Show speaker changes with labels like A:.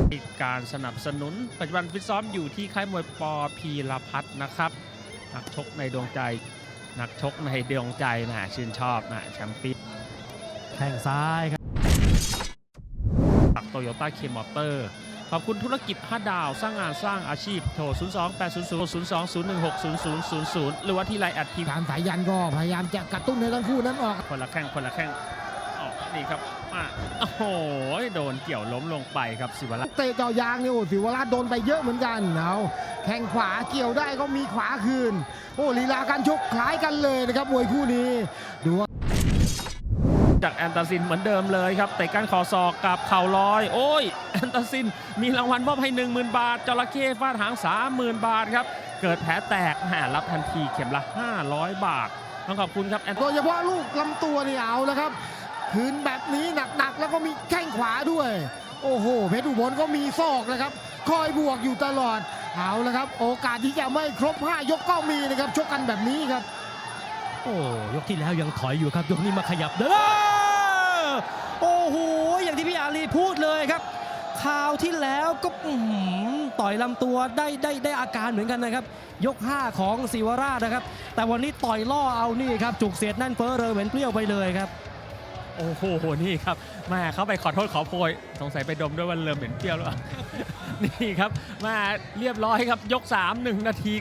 A: การสนับสนุนปัจจุบันฟิตซ้อมอยู่ที่ค่ายมวยปพีรพัฒน์นะครับนักชกในดวงใจนักชกในดวงใจนะชื่นชอบนะแชมเปี้ยน
B: แข้งซ้ายครับ
A: จากโตโยต้าเคมอเตอร์ขอบคุณธุรกิจ5 ดาวสร้างงานสร้างอาชีพโทร 0280002016000 หรือว่าที่ไลน์แอดที
C: การสายยันก็พยายามจะกระตุ้นให้ทั้งคู่นั้นออก
A: คนละแข้งออกนี่ครับโอ้โหโดนเกี่ยวล้มลงไปครับศิวรักษ์
C: เตะเจาะยางเนี่ยโอ้ศิวราชโดนไปเยอะเหมือนกันเอาแข้งขวาเกี่ยวได้ก็มีขวาคืนโอ้ลีลาการชกคล้ายกันเลยนะครับมวยคู่นี้ดูว่า
A: จากแอนตาซินเหมือนเดิมเลยครับเตะก้านคอศอกกับเข่าลอยโอ้ยแอนตาซินมีรางวัลมอบให้ 10,000 บาทจระเข้ฟาดหาง 30,000 บาทครับเกิดแผลแตกรับทันทีเข็มละ 500 บาทต้องขอบคุณครับ
C: โดยเฉพาะลูกลำตัวนี่เอาแล้วครับคืนแบบนี้หนักๆแล้วก็มีแข้งขวาด้วยโอ้โหเพชรอุบลก็มีศอกนะครับคอยบวกอยู่ตลอดเอาแล้วครับโอกาสที่จะไม่ครบ5 ยกก็มีนะครับชกกันแบบนี้ครับ
B: โอ้ยกที่แล้วยังถอยอยู่ครับยกนี้มาขยับเด้อโอ้โหอย่างที่พี่อาลีพูดเลยครับคราวที่แล้วก็ต่อยลำตัวได้อาการเหมือนกันนะครับยก 5 ของศิวราชนะครับแต่วันนี้ต่อยล่อเอานี่ครับจุกเสียดแน่นเฟ้อเรอเหมือนเปรี้ยวไปเลยครับ
A: โอ้โหนี่ครับแม่เขาไปขอโทษขอโพยสงสัยไปดมด้วยวันเริ่มเหม็นเปรี้ยวแล้ว นี่ครับมาเรียบร้อยครับยก 3 1 นาที